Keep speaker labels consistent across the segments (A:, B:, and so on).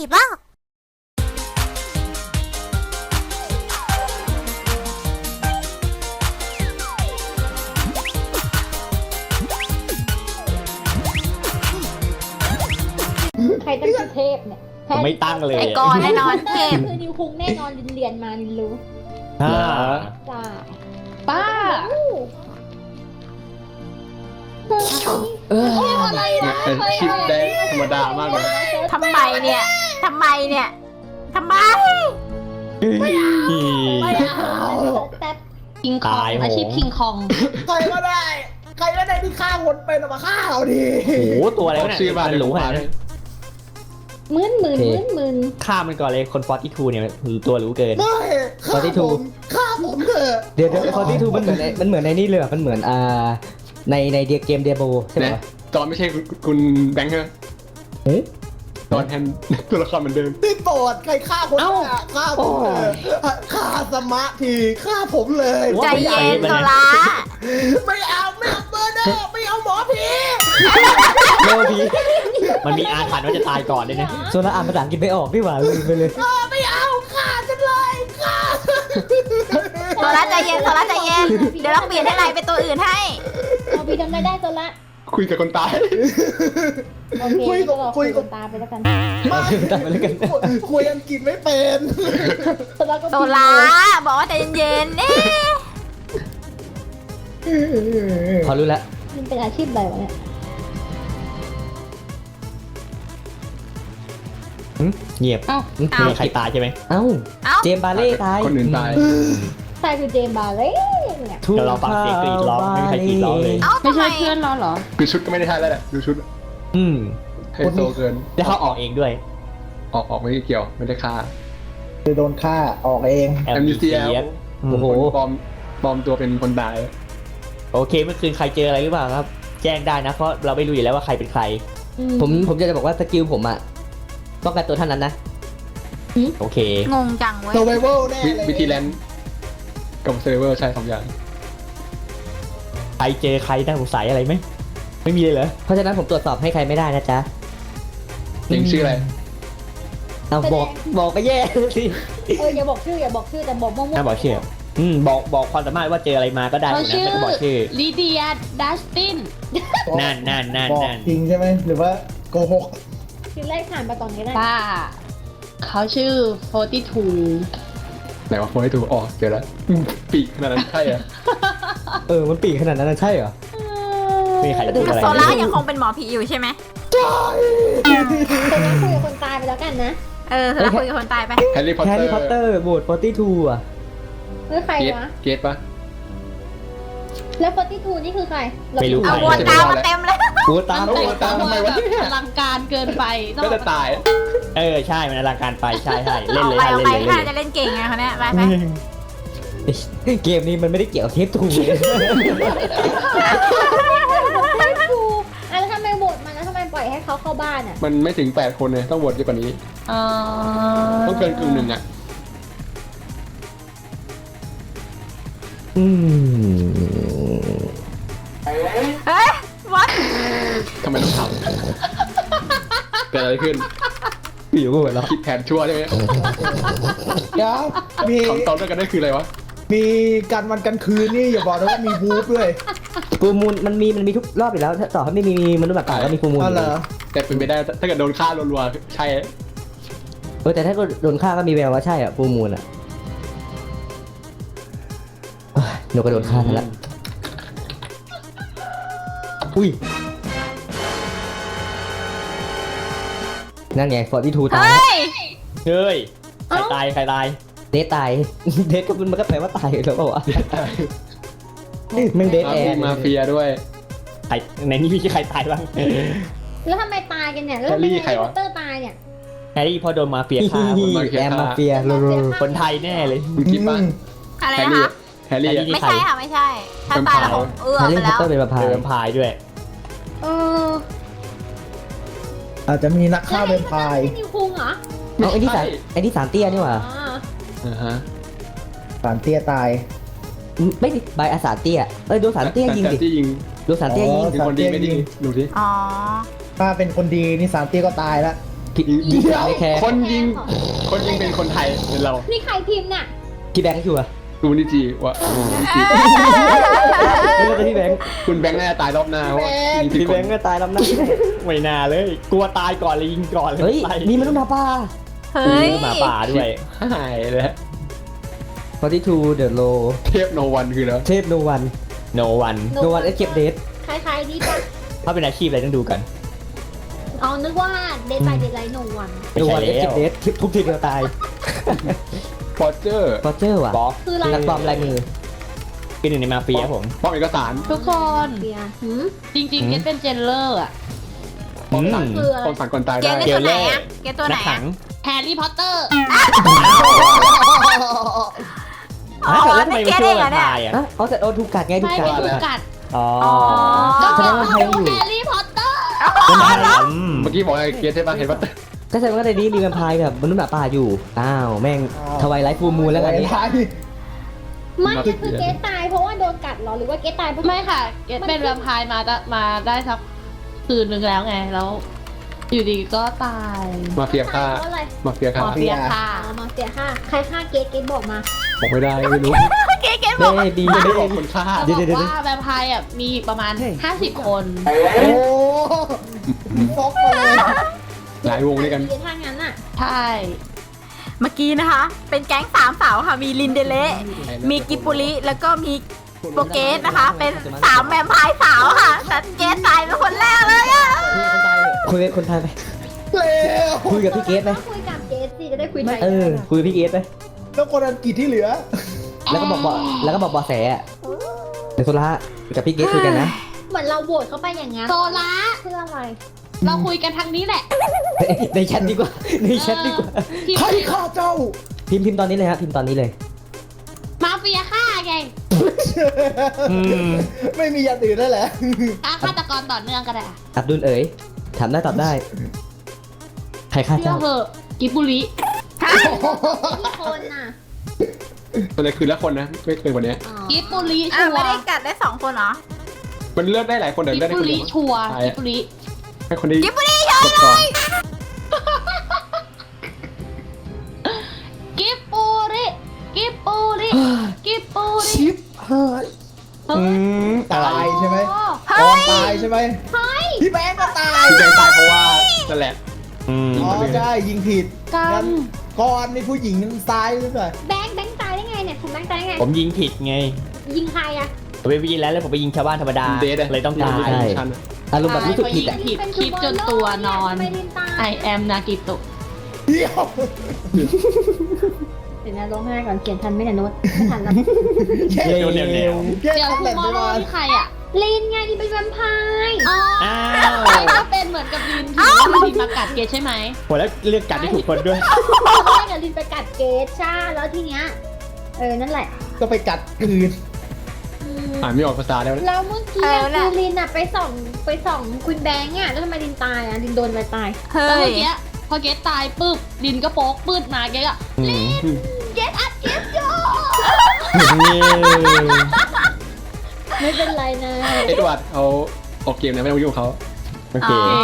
A: บ้า
B: ใครตั้งชื่อเทพเนี่ย
C: ผมไม่ตั้งเลย
A: ไอ้กอนแน่นอนเทพ
B: คือนิวคุงแน่นอนเรียนมานินรู้
C: อ่า
B: จ้า
D: ป้า
B: อะไรนะ
E: เป็นคลิปได้ธรรมดามากเลย
A: ทำไมเนี่ยทำไมเนี่ยทำไม
B: ไม่เอาแต่
D: คิงคองอาชีพคิงคอง
F: ใครก็ได้ ใครก็ได้ที่ฆ่าคนเป็นเอามาฆ่าเอาดิ
C: โอ้โหตัวอะไรวะเนี่ย
E: ชื่อบ้าน
C: มันหรูขนาดนั้น
B: มึน
C: ฆ่ามันก่อนเลยคน42เนี่ยตัวหรูเกิน
F: ไม่ฆ่าผมฆ่าผมเถอะ
G: เดี๋ยวคอที่ทูมันเหมือนในนี่เลยมันเหมือนในเกมเดียโบใช่ไหม
E: นะตอนไม่ใช่คุณแบงค์ใช่ไหมตอนแทนตัวละครเหมือนเดิม
F: นี่โปรดใครฆ่าคนอ่ะฆ่าผมเถอะฆ่าสมาธิฆ่าผมเลย
A: ใจเย็นโซล่า
F: ไม่เอาเบอร์เดอร์ไม่เอาหมอผี
G: โลพี
C: มันมีอาถรรพ์ว่าจะตายก่อนเลยนะ
G: โซล่าอ่านภาษาอังกฤษไม่ออกดีกว่าลืมไปเลย
F: ไม่เอาฆ่าฉันเลยฆ่า
A: โซล่าใจเย็นโซล่าใจเย็นเดี๋ยวเราเปลี่ยนให้ไรเป็นตัวอื่นให้
B: เอาพี่ทำได้ตัวละ
E: คุยกับคนตาย
B: โอเคก็รอคุยกันตาไปแล้วกัน
F: ไม่คุยอังกฤษไม่เป็น
A: โซล่าบอกว่าใจเย็นๆเอ๊ะ
G: พอรู้แล้ว
B: มันเป็นอาชีพอะไรวะเนี่ย
C: เงียบ
D: เอ้า
C: มีใครตายใช่ไหม
G: เอ้า
A: เอ้า
G: เจมบาเล่ตาย
E: คนอื่นตาย
B: ใช่คือเจมบาเล่เนี่ย
C: เดี๋ยวเราฟังเสียงกรีดร้องไม่มีใครกรีดร้องเลย
A: เอ้า
D: ไม่
A: ทำไม
D: ใช่เพื่อนเราเหรอ
E: คือชุดก็ไม่ได้ท่าแล้วแหละดูชุด
C: อืม
E: ไฮโซเกิน
C: แล้วเขาออกเองด้วย
E: ออกไม่เกี่ยวไม่ได้ฆ่า
F: โดนฆ่าออกเอง
E: MCL
G: โอ้โห
E: ปลอมตัวเป็นคนตาย
C: โอเคเมื่อคืนใครเจออะไรหรือเปล่าครับ แจ้งได้นะเพราะเราไม่รู้อยู่แล้วว่าใครเป็นใคร
G: ผมจะบอกว่าสกิลผมอะป้องกันตัวเท่านั้นนะ
C: โอเค
A: งงจังเว้ย
F: s u r v i v a l แน่เลย
E: วิธีแลนด์กับเซร์ฟเวอร์ใช่สองอย่าง
C: ใครเจอใครน่าสงสัยอะไรไหมไม่มีเลยเหรอ
G: เพราะฉะนั้นผมตรวจสอบให้ใครไม่ได้นะจ๊ะ
E: เองชื่ออะไร
G: เอาบอกไปแย่สิ
B: อย่าบอกชื่อแต่บอกมั่ว
C: น่าบอกชื่อบอกความสามารถว่าเจออะไรมาก็ได้
D: เขา
C: นะ
D: ชื่อ
C: ไม่ต้องบอกชื่อ
D: ลิเดียดัสติน
C: นั่น
F: บอกจริงใช่ไหมหรือว่าโกหก
B: ชื่อแรกผ่านไปก่อนก็ได้
D: ป้า เขาชื่อ42
E: ไหนว่าโฟนให้ถูกอ๋อเจอแล้วปีกขนาดนั้นใช่เหรอ
G: มันปีกขนาดนั้นใช่เหรอ
C: ไม่มีใครพูดอะไร
A: โซล่ายังคงเป็นหมอผีอยู่ใช่ไหม
B: คนนั้นคุยกับคนตายไปแล้วกันนะ
A: โซล่าคุยกับคนตายไป
E: แฮร์รี่พอต
G: แฮ
E: เต
G: ร์
E: อ
G: รี่พอตเตอ
E: ร์
G: ร์โหวต42อ่ะ
B: ใครวะ
E: เกตปะ
B: แล้ว42นี่คือใคร
C: ไม่รู้ใค
A: เอา
C: ร
A: วนตามมาเต็มเลย
G: กูตาม
D: แต่งตัวแบบอลังการเกินไป
E: ก็จะตาย
C: ใช่มันอลังการไปใช่เล่น
A: เอา
C: เลย
A: ไป
C: ค่ะ
A: เอา
C: เล่น
A: ไป
C: เลย
A: ถ้า
C: เล่น
A: จะ
C: เลย
A: เล่นเก่งไงเขาเนี่ยไป
G: เกมนี้มันไม่ได้เกี่ยวกับเทปทูเลย
B: ไม่ถูกแล้วทำไมโหวตมันแล้วทำไมปล่อยให้เขาเข้าบ้านอ่ะ
E: มันไม่ถึง8คนเลยต้องโหวตเยอะกว่านี้ ต้องเกินกึ่งหนึ่งอ่ะ
A: เฮ้ยวัด
E: ทำไมต้องทำเกิดอะไรขึ้น
G: อยู่กูเหรอ
E: คิดแผนชั่วใช่ไหม
F: เดี๋ยวมี
E: คำตอบด้วยกันได้คืออะไรวะ
F: มีการวันกันคืนนี่อย่าบอกนะว่ามีวูฟด้วย
G: ฟูมูลมันมีทุกรอบอยู่แล้วถ้าต่อให้ไม่มีมนุษย์หมาป่าก็มีฟูมูล
F: อ๋อเหรอ
E: แต่เป็นไปได้ถ้าเกิดโดนฆ่ารัวๆใช่
G: แต่ถ้าโดนฆ่าก็มีแววว่าใช่อ่ะฟูมูลอ่ะหนูก็โดนฆ่าซะแล้วอุ้ยนั่นไง42ตาย
A: เฮ้ย
C: เฮ้ยใครตาย
G: เดทตาย เดทก็มันก็แปลว่าตายแล้วเปล่าวะมึงเดทแอร์
E: มาเฟียด้วย
C: ใครในนี้มีใครตายบ้าง
B: แล้วทำไมตายกันเนี่ยแล้วทำไมแฮร์รี่พอตเตอร์ตายเนี่ย
C: แฮร์รี่พอโดนมาเฟียฆ่า
G: แอมมาเฟียโลโล
C: คนไทยแน่เลย
E: คุณคิดป่ะ
A: อะไร
E: แฮร์
A: นะ
E: รี่
A: คะ
E: แฮร์รี่
C: แฮร์รี่
A: ไม่ใช่ค่ะไม่ใช่ ถ้าตายแล้วคงเอื้อ
G: แฮร์
A: ไป
G: รี่พอ
A: แล้ว
G: ตเตอร์เป็นประพา
C: เจ
G: ย
C: อพายด้วย
B: เออ
F: อาจจะมีนักฆ่าเป็นพาย
B: นิวคุงเหรอ
G: เอาไอ้นี่สารเตี้ยนี่หว่า
B: อ๋อ
F: สารเตี้ยตาย
G: ไม่ดิใบอาสาเตี้ยโดนสารเตี้ยยิงดิ
E: ที่ยิง
G: โดนสารเตี้ยยิง
E: เป็นคนดีไม่ดีดูสิ
A: อ๋อ
F: ถ้าเป็นคนดีนี่สารเตี้ยก็ตายแล้ว
G: พี่ไม่แคร์
E: คนยิงเป็นคนไทยเป็นเรา
B: นี่ใครพิมพ์น่ะ
G: พี่แบงค์ชัวร์
E: ดูนิจิว่า
G: ไม่ใช่พี่แบงค์
E: คุณแบงค์น่าจะตายรอบหน้าว่ามี
G: พี่
E: ที่
G: แบ
E: ค
G: ง
E: น
G: ค์ก็ตายลำหน้า
C: ไม่น่าเลย กลัวตายก่อนเลยยิงก่อนเลย
G: เฮ้ย
C: ไป
G: นี่มันต้องมาป่า
A: เฮ้ย
C: หมาป่าด้วย
E: หายแล้ว
G: 42 The Low
E: เทพโนวันคือแล้ว
G: เทพ No One
C: no one
G: No One Escape Date
B: คล้ายๆนี่ปะ
C: ถ้าเป็นอาชีพอะไรต้องดูกัน
B: เอานึกว่าเดทไปเดทไลท์หนึ่งวัน
C: ไม่
G: No
C: ใช่
G: One
C: แล้ว
G: Escape Date ทุกทีเดียวตาย
E: ฟอร์เจอร์
G: ฟอเจอร์ว่ะ
C: บอส
B: คืออะไร
G: นักปลอมลายมือ
C: เป็นหนึ่งในมาเฟียผม
E: ป้อมเอกสาร
D: ทุกคน
B: เบียร์หืม
D: จริงๆเกตเป็นเจนเลอร์อะ
E: ป้อมสั่ง
B: คืออะไร
E: ป้อมสั่งก่อนตาย
A: เก
E: ได้
A: มเป็นตัวไหนอะเกมตัวไหน
C: นักขั
A: อะ
C: ง
D: แฮร์รี่พอตเตอร์
A: อ๋อ
C: แล้วทำไมไม่ช่วย
A: เกมเองเหรอเนี่ย
C: ตายอ่ะ
G: อ่ะเอาแต่โดนถูกกัดไงถูก
D: ไม่
G: กัด
D: เป็นถูกกัด
C: อ๋อ
D: ก็
G: แส
D: เก
G: ด
D: ต
G: งว่า
D: ต้
G: ใคร
D: อง
G: อยู่
D: ดูแฮร์รี่พอตเตอร์
C: เป็นทหาร
E: เมื่อกี้บอกไอ้เกียร์ใช่ปะเห็นปะ
G: ก็แสดงว่าในนี้มีแวมไพร์แบบมนุษย์หมาป่าอยู่ อ้าว แม่งทวายไลท์ฟูมูลแล้วกันนี้
F: ไทย
B: ไม่ก็คือเกสตายเพราะว่าโดนกัดเหรอหรือว่าเกสตายเพราะ
D: ไม่ค่ะ เกตเป็นแวมไพร์มาได้สักคืนนึงแล้วไง แล้ว อยู่ดีก็ตาย
E: มาเฟียฆ่า
B: เพราะอะไร
E: มาเฟียฆ่า
D: หมอเฟียค่ะ
B: อ๋อมาเสียค่าใครฆ่าเกสเกสบอกมา
E: บอกไม่ได้ไม่รู้
A: เกมบอก
G: เฮ้ยดี
E: ไม่
G: เด้
E: ได้บอกคนฆ่า
D: เขา
G: เดี๋
D: บ
G: ยว
D: อกว่าแวมไพร์อ่ะมีประมาณ 50 คน
F: โอ้ฟอกมาเลย
E: หลายวงด้วยกัน
B: เกสถ้างั้นอ่ะ
D: ใช่
A: เมื่อกี้นะคะ เป็นแก๊งสามสาวค่ะ มีลินเดเละมีกิบปุริแล้วก็มีโปเกสนะคะ เป็นสามแวมไพร์สาวค่ะแต่เกสตายเป็นคนแรกเลยอะ
G: คุยกับคนไทยไป
F: เร็ว
G: คุยกับพี่เกตไหม
B: คุยกับเกสสิจะได้คุยไทย
G: เออ คุยกับพี่เกตไหม
F: แล้วคนอังกฤษที่เหลือ
G: แล้วก็บอกเบอแสอะเดี๋ยวโซล่ากับพี่เกตคุยกันนะ
B: เหมือนเราโหวตเข้าไปอย่างงั้น
D: โซล่า
B: เพื่ออะไร
D: เราคุยกันทางนี้แหละ
G: ในแชทดีกว่า ในแชทดีกว่า
D: ที่
F: ใครฆ่าเจ้า
G: พิมพ์ตอนนี้เลยฮะพิมพ์ตอนนี้เลย
D: มาเฟียฆ่าไง
C: อืม
F: ไม่มีอย่างอื่นได้แหละ
D: ฆาตกรต่อเนื่องก็ได้อะ
G: อับดุลเอ๋ยถามได้ตอบได้ ใครฆ่า
D: เชื่อ
G: เจ้า
D: เหอะกิบบุริ
B: กี่คนน่ะ
E: มันเลยคืนละคนนะไม่เกินกว่านี้
B: อ๋อ
D: กิบบุริ
A: อ่ะ
D: ชัว
A: ไม่ได้
D: ร์
A: กัดได้สองคนเหรอ
E: มันเลือกได้หลายคนแต่
D: กิบ
E: ได้ได้
D: บุ
E: คน
D: ริ
E: เดียว
D: ชัวร์
E: ใช่
D: กิบบุริ
E: ให้คนนี้
A: กิบปุริ
E: กดก่อน
D: กิบบุริกิบบุริกิบบุริ
F: ชิปเฮ้ย
C: อืมอะไร
F: ตายใช่ไหม
A: เฮ้
F: ก่อน
A: ย
F: ตายใช่ไหมพี่แบงค์ก็ตาย
E: ที่แบงค์ตายเพราะว่านั่นแหละ
C: อืม
F: อ๋อใช่ยิงผิด
D: กรร
F: งั้
D: ม
F: นก่อนนี่ผู้หญิงตายหรือเปล่า
B: แบงค์ตายได้ไงเนี่ยคุณแบงค์ตายได้ไง
C: ผมยิงผิดไง
B: ยิงใครอะ
C: ผมไปยิงแล้วผมไปยิงชาวบ้านธรรมดา
E: เดทอะ
C: เลยต้องตาย
G: ใช่
E: ชั้นอะ
G: อารมณ์แบบรู้สึกผิดอ่ะ
D: ผิดคิดจนตัวนอน
B: ทำไมลินตาย
D: I am นากิโตะ
F: เดี๋ยว
B: เดี๋ยวนะร้องไห้ก่อนเขียนทันไหมเนี่ยโน้ตไม่ทันแล้ว
F: แค่
C: เร็วเร็วเร็ว
F: แค่
D: เดี๋ยว
F: ทำ
D: ทู
F: แหลม
D: มอ
F: ไป
D: ร์โล
F: มา
D: นี่ใครอ่ะ
B: ลินไงลินเป็นแวมไพร์
D: อ๋อ
C: อ้าว
D: ใครก็เป็นเหมือนกับลินที่ว่าลินมากัดเกตใช่ไหม
C: โหแล้วเลือกกัดได้ถูกคนด้วย
B: ตอนแรกอะลินไปกัดเกตใช่แล้วทีเนี้ยนั่นแหละ
F: ก็ไปกัดคืน
E: อ่านไม่ออกภาษาแล้วนะ
B: แล้วเมื่อกี้อะคือลินอะไปส่องคุณแบงค์อะแล้วทำไมลินตายอะลินโดนอะไรตาย
A: เฮ้
D: แล้วเมื่อย กี้พอเกตตายปุ๊บลินก็โป๊กปืดมาเกตอ่ะ
C: อืม
D: เกตอัดเกตโย
B: ไม่เป็นไรนะ
E: เอ็ดวาร์ดเขาออกเกมนะไม่ต้องยุ่งกับเขา
C: โอเค
A: อ๋อ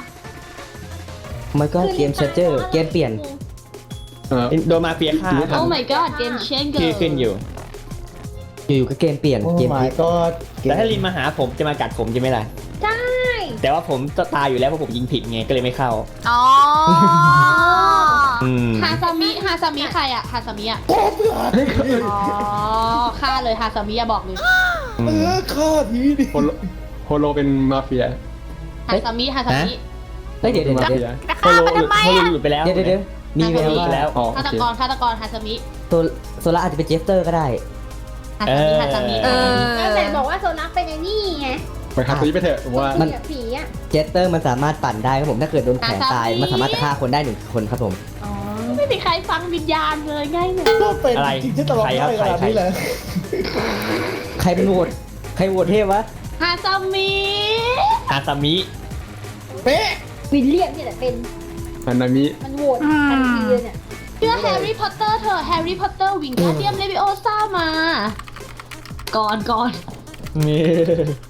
G: มันก็เกมเชนเจอร์เกมเปลี่ยน
C: โดนมาเฟียฆ่า
D: โอ้ my god เกมเชนเกอ
C: ชื่อ
D: ร์
C: ขึ้นอยู่
G: อยู่ๆก็เกมเปลี่ยน
F: โอ้
G: เกมพลิ
F: my
G: ก
F: god
C: แต่ถ้าลินมาหาผมจะมากัดผมใช่ไหมล่ะ
B: ใช่
C: แต่ว่าผมจะตายอยู่แล้วเพราะผมยิงผิดไงก็เลยไม่เข้า
A: อ๋อ
C: อืม
D: ฮาซามิใครอ่ะฮาซามิอ่ะ
F: พ่อเพื่อน
D: อ๋อฆ่าเลยฮาซามิอะบอกเลย
F: ฆ่าทีดิ
E: โฮโลเป็นมาเฟีย
D: ฮาซามิ
G: เฮ้ยเดี๋ยว
E: มาเฟีย
A: จะ
C: โฮ
A: ฆ่า
C: โล
A: มันทำไม
C: โฮโล
A: อะ
C: หลุดไปแล้ว
G: เดี๋ยวมีแวว
C: หลุด
G: ว่า
C: ไปแล้ว
E: อ๋อโอ
D: ฆาต
E: เค
D: กรฮาซามิ
G: โซล่าอาจจะเป็นเจสเตอร์ก็ได้
D: ฮาซามิ
A: เออ
B: นั่นแหละบอกว่าโซนัสเป็นไอ้นี่ไง
E: ไปครับตัวนี้ไปเถอะผมว่า
G: มัน
B: ผีอะ
G: เจสเตอร์มันสามารถปั่นได้ครับผมถ้าเกิดโดนแขวนตายมันสามารถจะฆ่าคนได้1 คนครับผม
B: อ๋อ
D: ไม่มีใครฟังวิญญาณเลยง่ายเลย
F: ก็เป็น
C: อะไร
F: จริงที่ตลอด
C: ใคร
F: ได้
C: ครับ
F: ขนาด
C: ใคร
F: นี้เลย
G: ใครเป็นโหวตใครโหวตเทพวะ
D: ฮาซามิ
C: อาซามิ
F: เป๊ะ
B: วิลเลียมเนี่ยแหละเป็น
E: อันนามิ
B: มันโหวตทันทีเลยเนี่ย
D: เชื่อแฮร์รี่พอตเตอร์เถอะแฮร์รี่พอตเตอร์วิ่งแคสเซียมเลวิโอซ่ามา ก่อน
C: นี่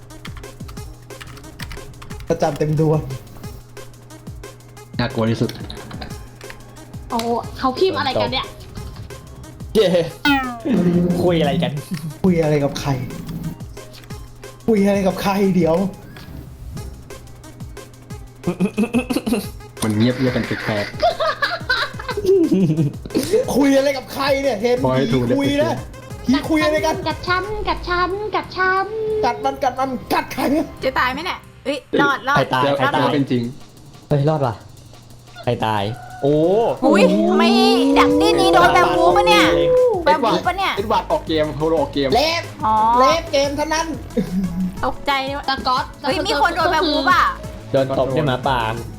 F: ประจำเต็มดวง
E: น่ากลัวที่สุด
D: โอ้เขาพิมพ์อะไรกันเนี่ย
C: เย้คุยอะไรกัน
F: คุยอะไรกับใคร คุยอะไรกับใครเดี๋ยว
E: มันเงียบกันแปลก
F: คุยอะไรกับใครเนี่ยเห็น
E: บอกให้
F: ผี
E: ถูกเลย
F: คุยนะผีคุยอะไรกัน
D: กัดฉันกัดฉันกัดฉัน
F: กัดมันกัดใครเนี่ย
A: จะตายไหมเนี่ยเอ้ยรอด
C: ใครตาย
E: ๆแล้ว
C: ใคร
E: แต่
C: ตาย
E: ว่าเป็นจริง
G: เฮ้ยรอดว่ะ
C: ใครตาย โอ้
A: อุ้ยไม่ดักนี่โดนแบบวูปะเนี่ยแบบวูปะเนี่ย
E: เอ็ดวาร์ดออกเกมโฮโลออกเกม
F: เล็บ
A: อ๋อ
F: เล็บเกมเท่านั้น
A: ตกใจเลยว่า
D: สก๊อต
A: เฮ้ยมีคนโดนแบบวูปอ่ะ
C: โดนตบด้วยหมาป่า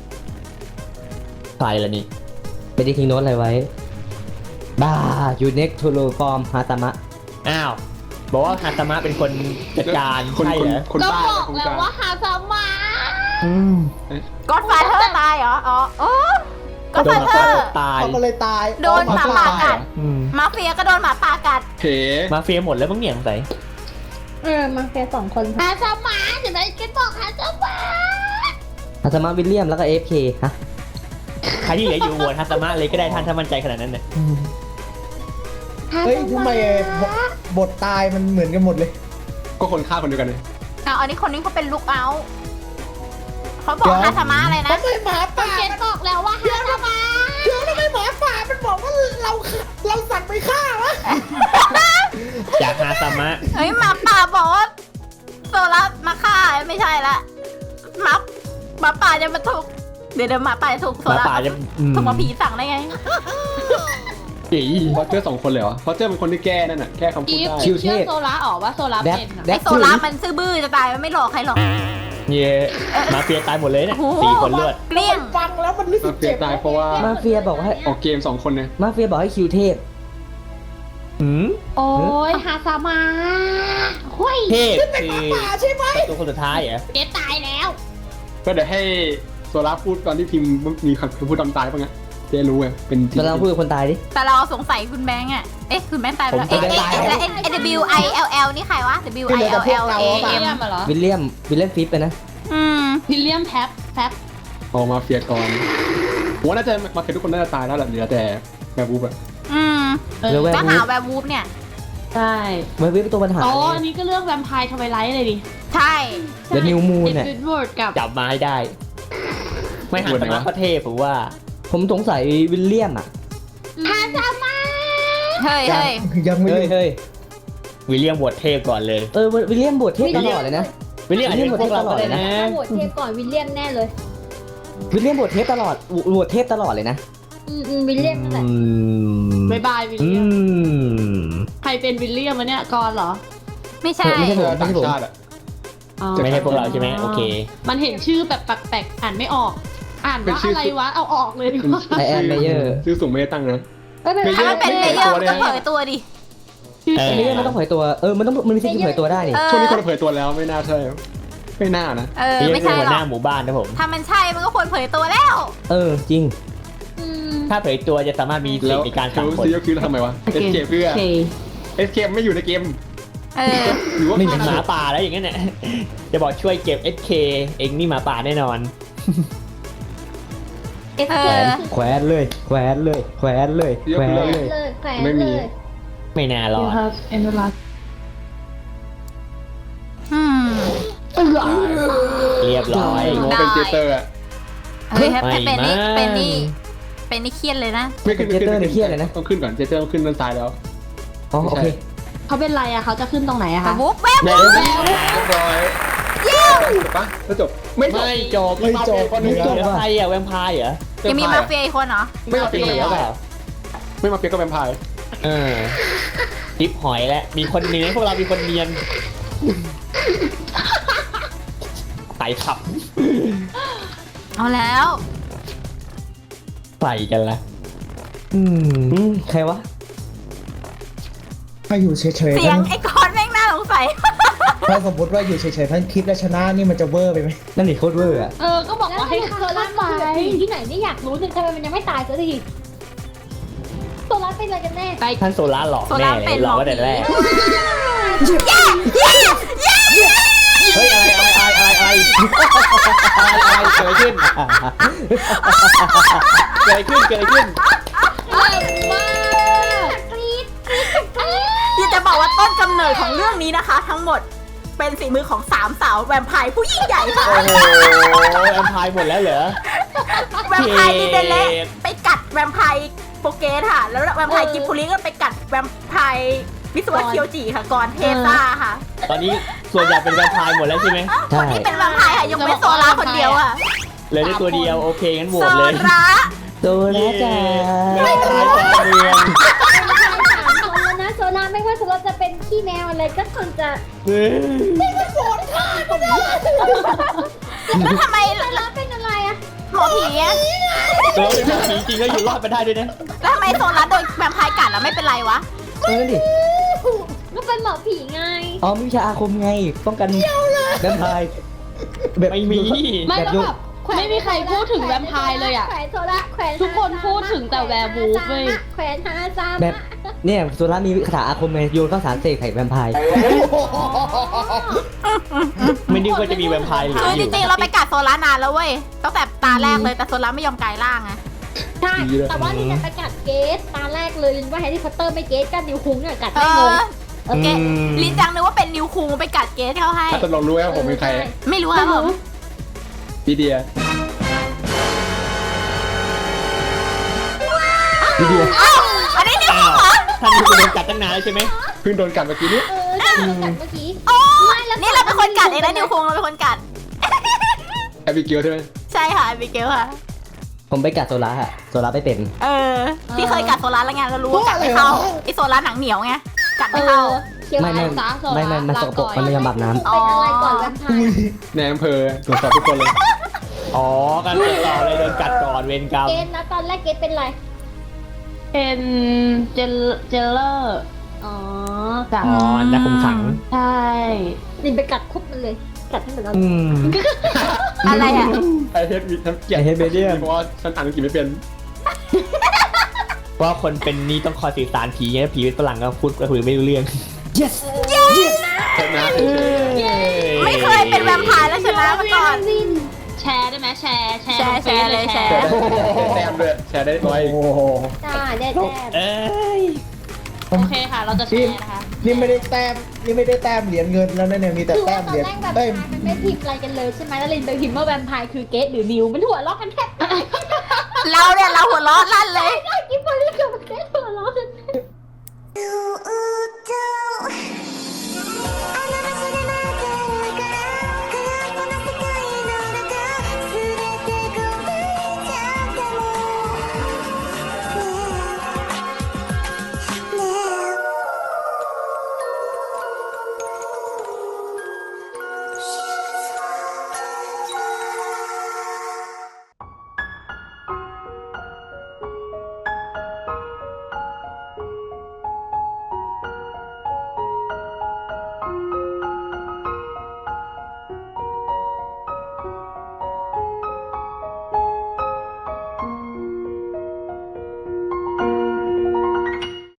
C: ใครล่ะนี่
G: ไม่ได้ทิ้งโน้ตอะไรไว้ บ้า you next to the form ฮาตามะ
C: อ้าว บอกว่าฮาตามะเป็นคนจัดการ
E: คน
C: ใช่เหรอ
E: คน
D: ก็
E: บ้า
D: บอก
E: คน
D: แล้ว
E: กลาง
D: ว่าหาสมา
A: ก็อดฟาเธอร์ตายเหรออ๋อโอ้ก็อด
C: โดน
A: ฟา
C: หมา
A: เธอ
C: ป่า
A: ร์
C: ตาย
F: เขาก็เลยตาย
A: โดนหมาป่ากัด
C: อืม
A: มาเฟียก็โดนหมาป่ากัด
E: เผ
C: มาเฟียหมดแล้วมั้งเนี่ยสงสัย
B: มาแค่2 คน
D: หาสมาเดี๋ยวไหนกินบอกหาสมา
G: ฮาตามะวิลเลียมแล้วก็ AFK ฮะ
C: ใครที่เหลืออยู่โหวตฮาตามะเลยก็ได้ท่านถ้ามั่นใจขนาดนั้นเนี่ย
F: เฮ้ยทำไมบทตายมันเหมือนกันหมดเลย
E: ก็คนฆ่าคนเดียวกันเลย
A: เอาอันนี้คนนี้เขาเป็นลูกเอาท์เขาบอกฮาสมะอะไรนะ
F: ทำไมหมาป่า
D: เกตบอกแล้วว่าหาสมา
F: เดี๋ยวทำไมหมาป่ามันบอกว่าเราสั่งไปฆ่าวะ
C: จากฮาตามะ
A: เฮ้ยหมาป่าบอกว่าโซลัสมาฆ่าไม่ใช่ละหมาป่าจะมาถูกเดี๋ยวหมาป่าจะถูกโซ
C: หมา
A: ลัส
C: ป่าจะอืม
A: ถูกมาผีสั่งได้ไง
C: อี
E: เพราะเจอ2 คนเลยเหรอเพราะเจอเป็นคนที่แก้นั่นน่ะแก้คำพูด
D: อีฟ
E: ได้
G: คิวเท
D: เชื่อ
G: พ
D: โซล่าออกว่าโซล่า
G: แด
D: เป็น
G: แด
A: ไอโซลัสมันซื่อบื้อจะตายมันไม่หลอกใครหรอก
C: เย่มาเฟียตายหมดเลยเนี่ย
A: โอ้โห
C: 4 คนเลือด
A: เกลี้ยง
F: ฟังแล้วมันรู้สึ
E: มาก เฟีย
F: เจ็บ
E: ตายเพราะว่า
G: มาเฟียบอกว่าให้
E: ออกเกม2 คนเนี่ย
G: มาเฟียบอกให้คิวเทพ
C: หืม
D: โอ้ยหาสมาห้ย
C: เทพคือ
F: ป่าใช่ไหม
C: ประตูคนสุดท้ายเหรอ
D: เกตตายแล้ว
E: ก็เดี๋ยวให้โซล่าพูดตอนที่พิมพ์มีคำพูดตอนตายป่ะไงเจ๊รู้ไงเป็นจริง
G: เราลองพูดกับคนตายดิ
A: แต่เราสงสัยคุณแบงค์อ่ะเอ๊ะคุณแบงค์ตายไปแล้ว
C: ผมก็ตาย
A: แล้ว W I L L นี่ใครวะ W I L L A
D: วิล
A: M
D: เลียมเหรอ
G: วิลเลียมฟิปไปนะ
A: อืม
D: วิลเลียมแท็บ
E: ออกมาเฟียก่อนผมว่าน่าจะมาเฟียทุกคนน่าจะตายแล้วแหละเหลือแต่แบบบูบอะ
A: อืม
G: เรือแวร์
A: ก็
G: วู
A: หา
G: ฟ
A: แวร์วูฟเนี่ย
D: ใช่
G: แวร์วูฟเป็นตัวปัญหา
D: อ๋อ
G: เลย
D: อันนี้ก็เรื่องแวมไพร์ทวายไลท์เลยดิ
A: ใช่
G: เดอะนิวมูน
D: เอ็ด
G: เนี่ย
D: วิดเวิร์ดกับ
C: จับมาให้ได้ ไม่หันตามะก็เทพผมว่า
G: ผมสงสัยวิลเลียมอ่ะ
D: หาสมา
A: เฮ้ยเฮ้ย
F: ยังไม่
G: เฮ้ย
F: รู้
G: เฮ้ย
C: วิลเลียมบวชเทพก่อนเลย
G: วิลเลียมบวชเทพตลอดเลยนะ
C: วิลเลียมอาจจะเป็นพวกเราก็ได้นะ
B: โหวตเทปก่อนวิลเลียมแน่เลย
G: วิลเลียมบวชเทพตลอดบวชเทพตลอดเลยนะ
B: วิลเลียมนั่นแหละ
D: บายบายวิล
G: อื
D: เลียม
G: ม
D: ใครเป็นวิลเลียมวะเนี่ยกอนเหรอ
A: ไม่ใช่
G: ไม่ใช่
E: เจอต่างชาติอะ
D: อ๋อ
C: ไม่ใช่พวกเราใช่ไหมโอเค
D: มันเห็นชื่อแบบแปลกๆอ่านไม่ออก อ่านว่าอะไรวะเอาออกเลยดีกว่า
G: ไอแอนเมเยอร์
E: ชื่อสูงไม่ได้ตั้งนะ
A: ถ้ามันเป็นเลเยอร์มันก็เผยตัวดิ
C: เออ
G: เมเยอร์มันต้องเผยตัว มันมีสิทธิ์เผยตัวได้นี่
A: เออ
E: ช่วงนี้คนเผยตัวแล้วไม่น่าใช่ไม่น่านะ
A: เออ
C: วิลเลียม
A: ไม่
C: เป็น
A: ใช่
C: หัว
A: หร
C: ห
A: อ
C: น้าก หมู่บ้านนะผม
A: ถ้ามันใช่มันก็ควรเผยตัวแล้ว
G: จริง
C: ถ้าเผยตัวจะสามารถมีสิท
E: แล้ว
C: ธิ์ในการสั่ง
E: รู้
C: คน
E: ซิก็คือทำไมวะเอสเคเพื่อเอสเคไม่อยู่ในเกม
A: เออ
E: หรือว่า
C: ไม่เหมือนหมาป่าแล้วอย่างนั้นเนี่ยจะบอกช่วยเก็บ SK เองนี่หมาป่าแน่นอน
A: เอ
G: แขวน
A: อ
G: เลย แขวนเลย แขวนเลย แขวนเลย
B: เลยแขวน
E: ไม่มี
B: เลย
C: ไม่น่ารอด
D: เอ็นดูรัส
A: อืม
C: เรียบร้อย
E: โง่เป็นเจเตอร์อะ
A: เฮ้ยถ้า
C: ไม่
A: เป็นนี่
C: มั้ง
A: เป็นนี่เครียดเลยนะ
E: ไม่ขึ้น
G: เจเตอร์เนี่ยเครียดเลยนะ
E: ต้องขึ้นก่อนเจเตอร์ต้องขึ้นด้านซ้ายแล้ว
G: อ๋อโอเค
D: เขาเป็นไรอะเขาจะขึ้นตรงไหนอะ
A: แว
D: คะ
A: ร์วูฟแวร์
C: เดี๋
A: วู
C: ยว
A: ฟ
E: เรียบร้อยปะแล้วจบไม่จบ
C: ไม่จบ
F: ไม่จบ
E: คนหนึง
C: จบใครอะแวมไพร์เหรอ
A: ยังมีมาเฟียอีกคนเหรอ
E: ไม่มาเฟีย
C: เห
E: ก็
C: รอ
E: แวม
C: เป
E: ไพ
C: ล่า
E: ร์ไม่มาเฟียก็แวมไพร์
C: เออทิปหอยแล้วมีคนเนียนพวกเรามีคนเนียนใส่ขับ
A: เอาแล้ว
C: ใส่กันละ
G: ใครวะ
F: ถ้าอยู่เฉย
A: เสี
F: ๆ
A: ยง
F: ทั้ง
A: ไอ้กอนแม่งน่าสงสัย
F: ถ้าสมมติว่าอยู่เฉยๆทั้งคลิปแล้วชนะนี่มันจะเวอร์ไปไหม
G: นั่นนี่โคตรเวอร์อะ
D: ก็บอกว่าให้
B: โซ
D: ฆ่า
B: ลัส
D: ไป
B: มันอยู่ที่ไหนนี่อยากรู้จังทำไมมันยังไม่ตายสักทีโซลัสเป็นอะไรกันแน่
D: ไป
C: ท่านโซล่าหลอก
A: โซ
C: แน่
A: ล่า
C: เล
A: เป็น
C: ยหลอก
A: หมอ
C: ก็แต่แรก
A: ผี
C: เฮ้ยอะไรเกิดอะไรขึ้นเกิดอะไรขึ้น
A: บอกว่าต้นกำเนิดของเรื่องนี้นะคะ ทั้งหมดเป็นฝีมือของ3 สาวแวมไพร์ผู้ยิ่งใหญ่ค่ะ
C: โอ้โหแอมพายหมดแล้วเหรอ
A: แวมไพร์ลินเดเละไปกัดแวมไพร์โปเกสค่ะ แล้วแวมไพร์กิมปุริก็ไปกัดแวมไพร์วิศวะเคียวจิค่ะก่อนเทซ่าค่ะ
C: ตอนนี้ส่วนใหญ่เป็นแวมไพร์หมดแล้วใช่ไหม
G: ใช่
A: ที่เป็นแวมไพร์ค่ะยกเว้นโซล่าคนเดียวอ่ะ
C: เหลยได้ตัวเดียวโอเคงั้นโหว
A: โซ
C: ตเลย
A: ล่า
G: โซล่าจ้า
C: ไม่ตายจ้าเมือง
B: 3 คนแล้วนะโซล่าไม่ว่าโซล่าจะเป็นขี้แมวอะไรก็คงจะ
A: แล้วทำไม
B: โซล่าเป็นอะไรอะ
A: หมอผีอะ
C: ตัวเป็นผีจริงก็อยู่รอดไปได้ด้วยนะ
A: แล้วทำไมโซล่าโดนแวมไพร์กัดแล้วไม่เป็นไรวะ
G: นั่นดิ
B: ก็เป็นหมอผีไง
G: อ๋อมีวิชาอาคมไง ป้องกันแวมไพร์แบบ
C: ไม่มี
D: ไม่
G: แบบ
D: แล้ว
G: โย
D: แบบไม่มีใครพูดถึงแวมไพร์เลยอ่ะ
B: แขวนโซล่าแขวน
D: ทุกคนพูดถึงแต่แวร์วูฟเว้ย
B: แขวนฮาซามะ
G: แบบเนี่ยโซล่ามีคาถาอาคมไงโยนข้าวสารเสกไข่แวมไพร์
C: ไม่นึกว่าจะมีแวมไพร์เหลื
A: คือ อ
C: อ
A: จ
C: ยู่
A: ริงๆเราไปกัดโซล่านานแล้วเว้ยตั้งแต่ตาแรกเลยแต่โซล่าไม่ยอมกลายร่างไง
B: ใช่แต่ว่าลินจะไปกัดเกสตาแรกเลยลินว่าแฮร์รี่พอตเตอร์ไม่เกสกันนิวคุงเนี่ยกัด
A: เอ
B: ไม่เลย
A: อโอเคลินจังนึกว่าเป็นนิวคุงไปกัดเกสเขาให้
E: ถ้าตกลงรู้ว่าผมเป็นใคร
A: ไม่รู้ครับผม
E: พี่เดีย
G: ดีเดียว
A: อันนี้นิว
C: อ้า
A: คุ
C: ว
A: งเหรอ
C: ท่านนี้คุณโดนกัดตั้งนานแล้วใช่ไหม
E: เพิ่งโดนกัดเมื่อกี้นี้
B: ใช่กัดเมื่อกี้
A: โอ้นี่เราเป็นคนกัดเองนะนิวคุงเราเป็นคนกัด
E: แอบิเกลใช่ไหม
A: ใช่ค่ะบิเกลค่ะ
G: ผมไปกัดโซล่าอะโซล่าไม่เป็น
A: เออที่เคยกัดโซล่าแล้วไงเรารู้ว่ากัดไม่เข้าไอโซล่าหนังเหนียวไงกัดไม่เข้า
B: เคียว
G: ไม่
B: อะไร
G: ไม่
D: ซะโซล่า
G: ไม่มันสกปรก
D: ลาก่อน
G: มันไม่ยอมอาบน้ำ
B: เป็นอะไรก่อนแวมไพร์
E: ในอำเภอตรวจสอบทุกคนเลย
C: อ๋อการติดต่อเลยโดนกัดก่อนเวรกรรม
B: เกสนะตอนแรกเกสเป็นอะไร
D: เป็นเจลเลอร์
B: อ๋อ
D: จาก
C: อ๋อนักคุมขัง
D: ใช่
B: ลินไปกัดคุบมันเลยกัดให้เหมือนเรา
G: อืม
A: อะไรอ่ะ
E: ไอเฮดมีทั้งเกียร
G: I hate medium
E: เพราะว่าฉันอ่านอังกฤษไม่เป็น
C: เพราะคนเป็นนี่ต้องคอยสื่อสารผีเนี่ยผีเป็นฝรั่งก็พูดก็คุยไม่รู้เรื่อง
G: yes
E: ชนะ
A: ไม่เคยเป็นแวมไพร์แล้วชนะมาก่อน
B: ลิน
D: แชร์ได้ไหมแชร์
A: แชร์เลยแชร์
E: แชร์ได้แต้มด้วยแชร์ได้ร้อย
G: โอ้โห
B: จ้าแด่
C: เอ้ย
D: โอเคค่ะ เราจะแชร์นะคะ
H: นี่ไม่ได้แต้มนี่ไม่ได้แต้มเหรียญเงินแล้วนะเนี่ยมีแต่
B: คือ
H: แต้
B: ว่าม ตอ
H: เหรี
B: น
H: ยญ
B: แรกแบบ
H: เอ้ย
B: มันไม่พิมพ์อะไรกันเลยใช่ไหมแล้วลินไปพิมพ์ว่าแวมไพร์คือเกสหรือนิวมันหัวเราะกันแทบตาย
A: เราเนี่ยเราหัวเราะลั่นเลย
B: กิฟฟอรี่กับเกสหัวเราะกัน